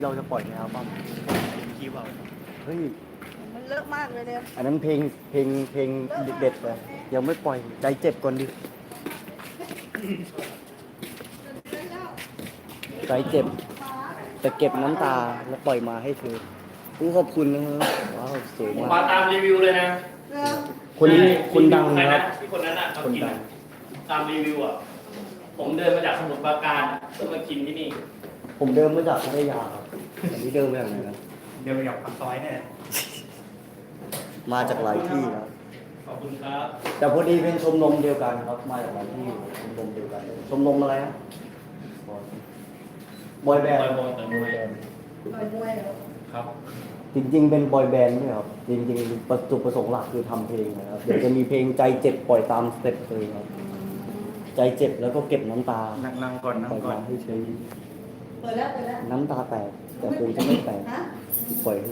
เราจะปล่อยในอัลบั้มคิวเอาเฮ้ยมันเลอะมากเลยเนี่ยอันนั้นเพลงเด็ดๆเลยยังไม่ปล่อยใจเจ็บก่อนดิใจเจ็บแต่เก็บน้ำตาแล้วปล่อยมาให้เธอขอบคุณนะครับว้าวสวยมากมาตามรีวิวเลยนะคนนี้คนดังครับที่คนนั้นอ่ะเขากินตามรีวิวอ่ะผมเดินมาจากสมุทรปราการเพื่อมากินที่นี่ผมเดินมาจากพัทยาครับอันนี้เดินมาจากไหนนะเดินมาจากปากซอยเนี่ยมาจากหลายที่ครับขอบคุณครับแต่พอดีเป็นชมรมเดียวกันครับมาจากหลายที่ชมรมเดียวกันชมรมอะไรนะบอยแบนด์บอยมวยครับจริงๆเป็นบอยแบนด์เนี่ยครับจริงๆจุดประสงค์หลักคือทำเพลงนะครับเดี๋ยวจะมีเพลงใจเจ็บปล่อยตามสเต็ปเลยครับใจเจ็บแล้วก็เก็บน้ำตานั่งก่อนปล่อยมาให้ใช้เปิดแล้วน้ำตาแตกแต่คงจะไม่แตกปล่อย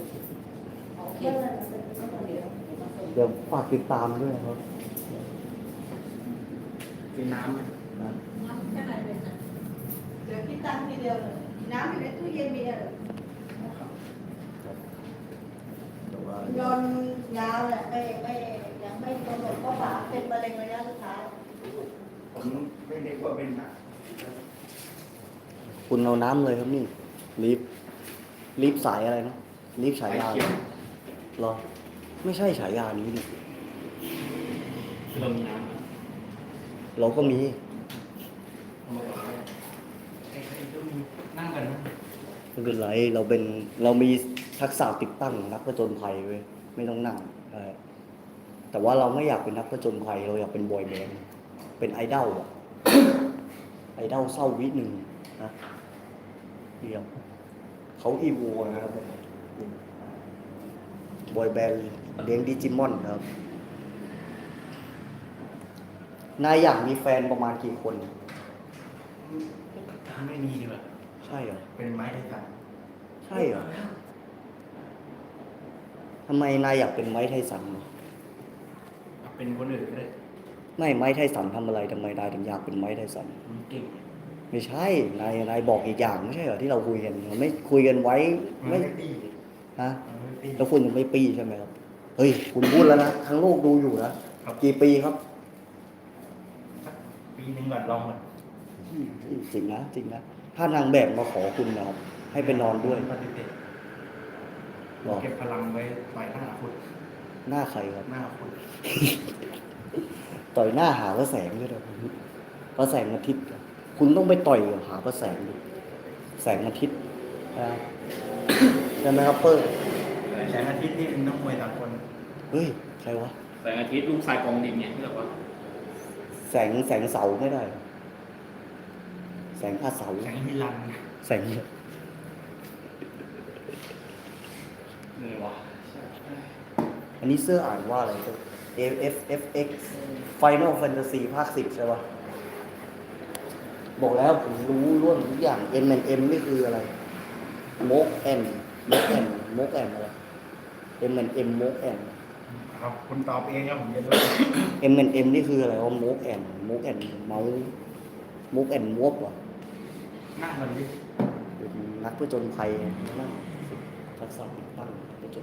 เดี๋ยวฝากติดตามด้วยครับกินน้ำน้ำแค่ไหนเลยนะเดี๋ยวพี่ตั้งทีเดียวเลยน้ำอยู่ในตู้เย็นมีอะไรยนยาวแหละไม่ยังไม่กำหนดก็ฝาเป็นมะเร็งระยะสุดท้ายผมไม่ได้ว่าเป็นนะคุณเอาน้ำเลยครับนี่รีบสายอะไรนะรีบฉายาหรอไม่ใช่ฉายานี้ดิเรามีน้ำเราก็มีนั่งกันนะไม่เป็นไรเรามีทักษะติดตั้งนักผจญภัยเว้ยไม่ต้องนั่งแต่ว่าเราไม่อยากเป็นนักผจญภัยเราอยากเป็นบอยแบนด์เป็นไอดอลอะไอดอลเศร้าวิหนึ่งนะเดียวเขาอีโวนะครับบอยแบนด์เลี้ยงดิจิมอนครับนายอยากมีแฟนประมาณกี่คนไม่มีดีกว่าใช่เหรอเป็นไม้ไทสันใช่เหรอทำไมนายอยากเป็นไม้ไทสันเป็นคนอื่นก็ได้ไม่ไม้ไทสันทำอะไรทำไมนายถึงอยากเป็นไม้ไทสันเก่งไม่ใช่นายบอกอีกอย่างไม่ใช่เหรอที่เราคุยกันเราไม่คุยกันไว้ไม่ฮะแล้วคุณยังไม่ปีใช่ไหมครับเฮ้ยคุณพูดแล้วนะทั้งโลกดูอยู่นะกี่ปีครับปีนึงก่อนลองมันจริงนะถ้านางแบบมาขอคุณนะครับให้ไปนอนด้วยเก็บพลังไว้ต่อยหน้าคุณหน้าใครครับหน้าคุณต่อยหน้าหาพระแสงด้วยนะพระแสงอาทิตย์คุณต้องไปต่อยหาพระแสงดูแสงอาทิตย์ใช่ไหมครับเปิ้ลแสงอาทิตย์นี่เป็นนักมวยต่างคนเฮ้ยใครวะแสงอาทิตย์ลูกชายกองดินเนี่ยที่แบบว่าแสงเสาไม่ได้แสงอาเสาแสงมิลันแสงเหนื่อยวะอันนี้เสื้ออ่านว่าอะไร FFX Final Fantasy ภาค 10ใช่ปะบอกแล้วผมรู้ร่วมทุกอย่าง M&M นี่คืออะไร Moke andอะไร M&M Moke and ครับคุณตอบเองครับผมจะรู้ M&M นี่คืออะไรว่า Moke and Moke and Moke and Moke เหรอหน้ามันดิเป็นนักผจญภัยนั่งทักษะติดตั้งผจญ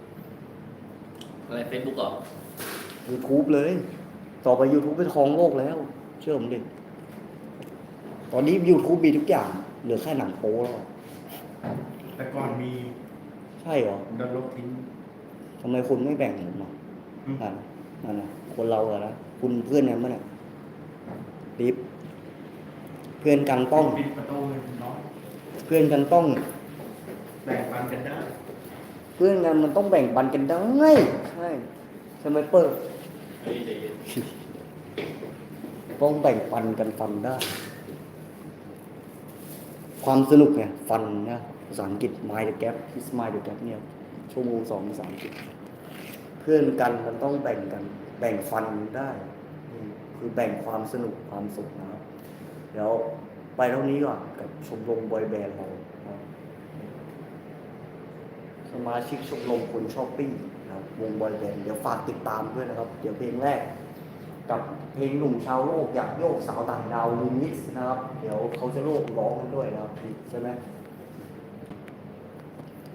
อะไรเฟซบุ๊กเหรอ YouTube เลยต่อไป YouTube เป็นของโลกแล้วเชื่อผมดิตอนนี้ YouTube มีทุกอย่างเหลือแค่หนังโป๊แล้วแต่ก่อนมีใช่เหรอโดนลบทิ้งทำไมคุณไม่แบ่งผมอ่ะนั่นนะคนเราอะนะคุณเพื่อนกันมั้ยเนี่ยรีบเพื่อนกันต้องปิดประตูน้อยเพื่อนกันต้องแบ่งปันกันได้เพื่อนกันมันต้องแบ่งปันกันได้ใช่ไหมเปิ้ลต้องแบ่งปันกันฟันได้ความสนุกเนี่ยฟันนะภาษาอังกฤษ mind the gap is mind the gap เนี่ยชั่วโมง2ภาษาอังกฤษเพื่อนกันมันต้องแบ่งกันแบ่งฟันได้คือแบ่งความสนุกความสุขนะครับเดี๋ยวไปเท่านี้ก่อนกับชมรมบอยแบนด์เราสมาชิกชมรมคนช้อปปิ้งนะครับวงบอยแบนด์เดี๋ยวฝากติดตามด้วยนะครับเดี๋ยวเพลงแรกกับเพลงหนุ่มชาวโลกอยากโยกสาวต่างดาวรีมิกซ์นะครับเดี๋ยวเขาจะโลกร้องกันด้วยนะครับใช่ไหม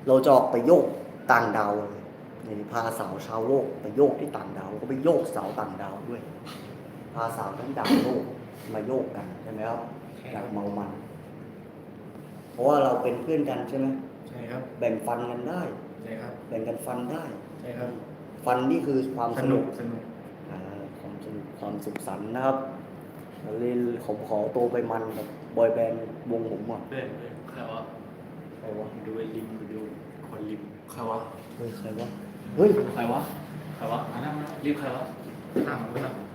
เราจะออกไปโยกต่างดาวเลยนี่พาสาวชาวโลกไปโยกที่ต่างดาวแล้วก็ไปโยกสาวต่างดาวด้วย พาสาวทั้งดาวโลกมาโยกกันใช่ไหมครับอยากเมามัน เพราะว่าเราเป็นเพื่อนกันใช่ไหมใช่ครับแบ่งฟันกันได้ใช่ครับแบ่งกันฟันได้ใช่ครับฟันนี่คือความสสนุนุกกสนุกความสนุกความสุขสันต์นะครับเลยผมขอตัวไปมันกับบอยแบนด์วงผมอ่ะเพื่อนใครวะใครวะดูไอ้ริมดูคนริมใครวะเฮ้ยใครวะเฮ้ยใครวะใครวะมาแล้วมารีบใครวะนั่ง